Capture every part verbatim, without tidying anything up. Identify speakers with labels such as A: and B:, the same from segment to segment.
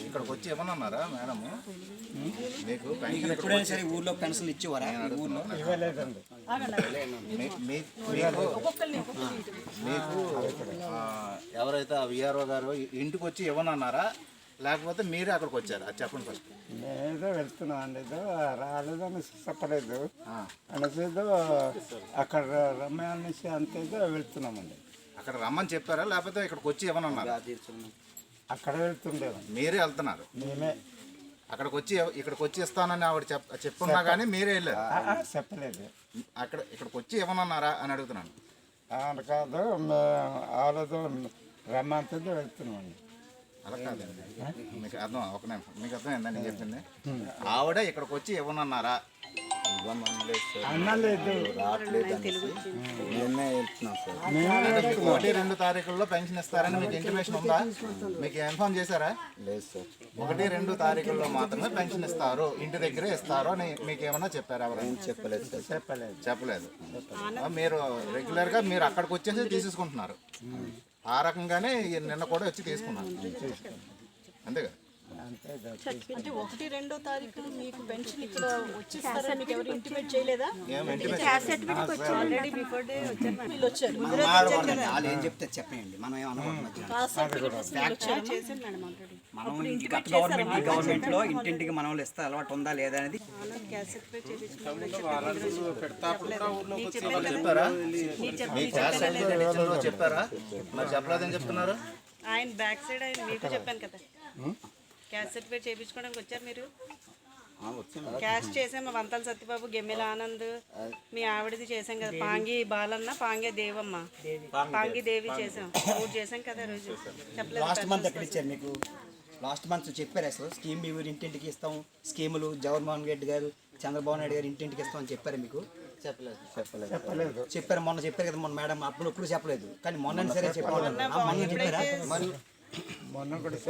A: ఇక్కడికి వచ్చి ఇవ్వనన్నారా మేడం మీకు పెన్షన్
B: ఎప్పుడైనా సరే ఊర్లో పెన్షన్లు ఇచ్చేవారా ఊర్లో
A: మీకు ఎవరైతే ఆ విఆర్ఓ గారు ఇంటికి వచ్చి ఇవ్వనన్నారా లేకపోతే మీరే అక్కడికి వచ్చారు అది చెప్పండి ఫస్ట్.
C: నేనేదో వెళ్తున్నాను అండి, ఏదో రాలేదు అని చెప్పలేదు అనేసి ఏదో అక్కడ రమ్య అనేసి అంతేదో వెళ్తున్నామండి.
A: అక్కడ రమ్మని చెప్పారా లేకపోతే ఇక్కడికి వచ్చి ఇవ్వనన్నారా?
C: అక్కడ వెళ్తుండేవాడి.
A: మీరే వెళ్తున్నారు?
C: మేమే
A: అక్కడికి వచ్చి ఇక్కడికి వచ్చి ఇస్తానని ఆవిడ చెప్ చెప్పున్నా కానీ మీరే వెళ్ళారు?
C: చెప్పలేదు.
A: అక్కడ ఇక్కడికి వచ్చి ఇవ్వనన్నారా అని అడుగుతున్నాను.
C: అని కాదు, ఆలోదో రమ్మంతేదో వెళ్తున్నామండి.
A: అలా కాదండి, మీకు అర్థం ఒక నిమిషం, మీకు అర్థమైందా నేను చెప్పింది? ఆవిడ ఇక్కడికి వచ్చి ఇవ్వనన్నారా?
C: అన్నలేదు,
A: ఒకటి రెండు తారీఖుల్లో పెన్షన్ ఇస్తారని మీకు ఇంటిమేషన్ ఉందా? మీకు ఇన్ఫార్మ్ చేశారా?
D: లేదు సార్.
A: ఒకటి రెండు తారీఖుల్లో మాత్రమే పెన్షన్ ఇస్తారు, ఇంటి దగ్గరే ఇస్తారు అని మీకు ఏమన్నా చెప్పారా? ఎవరైనా
D: చెప్పలేదు సార్.
C: చెప్పలేదు
A: చెప్పలేదు. మీరు రెగ్యులర్గా మీరు అక్కడికి వచ్చేసి తీసేసుకుంటున్నారు. ఆ రకంగానే నిన్న కూడా వచ్చి తీసుకున్నారు అంతేగా?
E: అంటే ఒకటి రెండో తారీఖు మీకు పెన్షన్ ఇక్కడ వచ్చేస్తారా? మీకు ఎవరు ఇంటిమేట్ చేయలేదా? ఆల్రెడీ బిఫోర్ డే వచ్చారు, వీళ్ళు వచ్చారు.
B: వాళ్ళు ఏం చెప్తే చెప్పండి, మనం ఏమనుకుంటున్నాం. మనం గత గవర్నమెంట్ ఈ గవర్నమెంట్ లో ఇంటింటికి మనం ఇస్తే అలవాటు ఉందా లేదా అనేది
A: చెప్పారా? చెప్పారా? మరి చెప్పలేదని చెప్తున్నారు.
E: ఆయన బ్యాక్ సైడ్ ఆయన మీకు చెప్పాను కదా, క్యాస్ట్ సర్టిఫికేట్ చేయించుకోవడానికి వచ్చారు మీరు. క్యాస్ట్ చేసాము, వంతాల సత్యబాబు, గెమ్మెల ఆనంద్, మీ ఆవిడది చేసాం కదా, పాంగి బాలన్న, పాంగే దేవమ్మ, పాంగి దేవి చేసాం, మూడు చేసాం కదా రోజు. చెప్పలేదు.
B: లాస్ట్ మంత్ ఎక్కడ ఇచ్చారు మీకు? లాస్ట్ మంత్ చెప్పారు అసలు స్కీమ్ మీ ఊరు ఇంటింటికి ఇస్తాం, స్కీములు జగన్మోహన్ రెడ్డి గారు, చంద్రబాబు నాయుడు గారు ఇంటింటికి ఇస్తాం అని చెప్పారు మీకు? చెప్పలేదు. చెప్పలేదు
C: చెప్పలేదు
B: చెప్పారు. మొన్న చెప్పారు కదా మొన్న మేడం, అప్పుడు ఎప్పుడు చెప్పలేదు కానీ మొన్న సరే చెప్పారు. మొన్న చెప్పారా?
C: మొన్న కూడా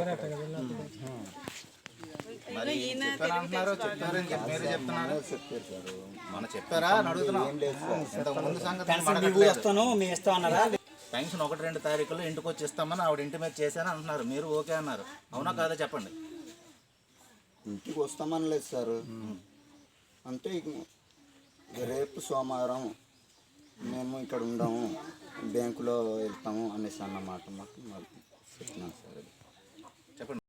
A: మరి చెప్పారంటున్నారు, చెప్పారని మీరు చెప్తున్నారు. మన చెప్పారా అని అడుగుతున్నాం. ఇంతకుముందు సంగతి
B: వస్తాను మేము ఇస్తాం అన్నారా?
A: పెన్షన్ ఒకటి రెండు తారీఖుల్లో ఇంటికి వచ్చి ఇస్తామని ఆవిడ ఇంటిమేట్ చేశాను అంటున్నారు, మీరు ఓకే అన్నారు. అవునా కాదా చెప్పండి.
D: ఇంటికి వస్తామని లేదు సార్, అంటే రేపు సోమవారం మేము ఇక్కడ ఉండము, బ్యాంకులో వెళ్తాము అనేసి అన్నమాట మాకు చెప్తున్నాను సార్.
A: చెప్పండి.